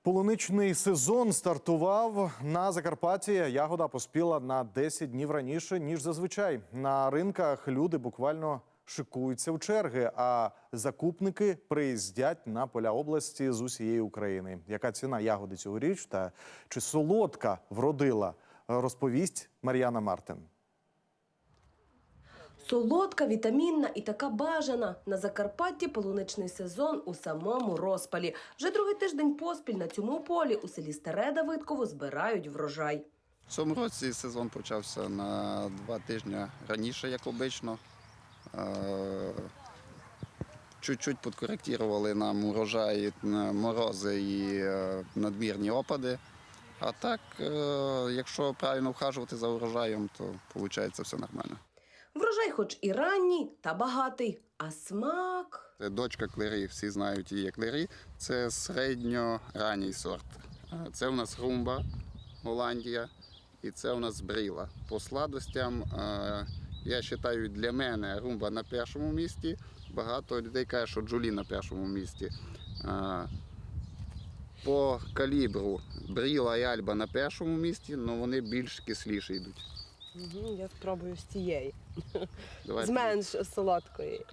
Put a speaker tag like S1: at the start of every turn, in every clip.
S1: Полуничний сезон стартував на Закарпатті. Ягода поспіла на 10 днів раніше, ніж зазвичай. На ринках люди буквально шикуються в черги, а закупники приїздять на поля області з усієї України. Яка ціна ягоди цьогоріч та чи солодка вродила, розповість Мар'яна Мартин.
S2: Солодка, вітамінна і така бажана. На Закарпатті полуничний сезон у самому розпалі. Вже другий тиждень поспіль на цьому полі у селі Старе Давидково збирають врожай.
S3: В цьому році сезон почався на 2 тижні раніше, як обично. Чуть-чуть підкоректували нам урожай, морози і надмірні опади. А так, якщо правильно вхажувати за урожаєм, то виходить все нормально.
S2: Врожай хоч і ранній, та багатий, а смак…
S3: Це дочка клері, всі знають її клері. Це середньоранній сорт. Це у нас румба, Голландія, і це у нас бріла. По сладостям, я вважаю, для мене румба на першому місці. Багато людей кажуть, що джолі на першому місці. По калібру бріла і альба на першому місці, але вони більш кисліші йдуть.
S2: Я спробую з цієї.
S3: Давай.
S2: З менш солодкої.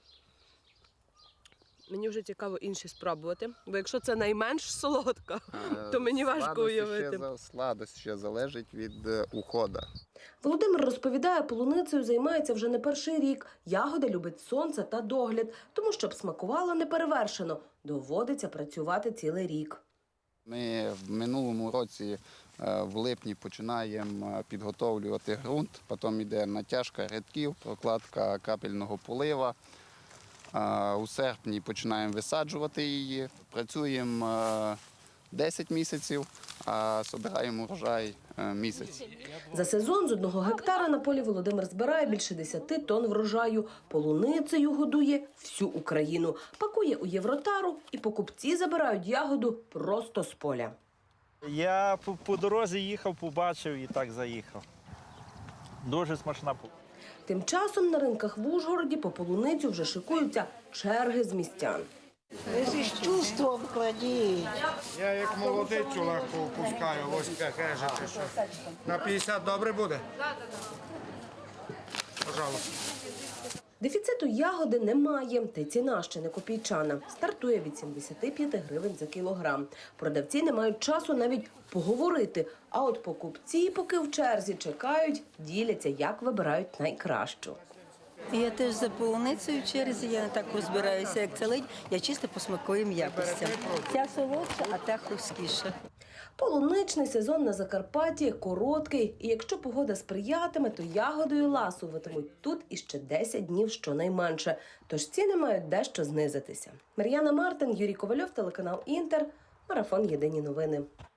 S2: Мені вже цікаво інші спробувати, бо якщо це найменш солодка, то мені важко уявити.
S3: Сладость ще залежить від уходу.
S2: Володимир розповідає, полуницею займається вже не перший рік. Ягода любить сонце та догляд, тому щоб смакувала неперевершено, доводиться працювати цілий рік.
S3: Ми в минулому році в липні починаємо підготовлювати ґрунт, потім йде натяжка рядків, прокладка капельного полива. У серпні починаємо висаджувати її, працюємо 10 місяців, а збираємо урожай місяць.
S2: За сезон з 1 гектара на полі Володимир збирає більше 10 тонн врожаю. Полуницею годує всю Україну. Пакує у євротару і покупці забирають ягоду просто з поля.
S4: Я по дорозі їхав, побачив і так заїхав. Дуже смачна.
S2: Тим часом на ринках в Ужгороді по полуницю вже шикуються черги з містян.
S5: Ви з чувством кладіть.
S6: Я як молодицю легко опускаю, ось таке чи що. На 50 добре буде? Так. Пожалуйста.
S2: Дефіциту ягоди немає, та й ціна ще не копійчана. Стартує від 75 гривень за кілограм. Продавці не мають часу навіть поговорити, а от покупці, поки в черзі чекають, діляться, як вибирають найкращу.
S5: Я теж за полуницею в черзі, я не так розбираюся, як це ледь, я чисто по смаковим якостям. Ця солодша, а та хрусткіша.
S2: Полуничний сезон на Закарпатті короткий, і якщо погода сприятиме, то ягодою ласуватимуть тут іще 10 днів щонайменше. Тож ціни мають дещо знизитися. Мар'яна Мартин, Юрій Ковальов, телеканал Інтер, Марафон Єдині новини.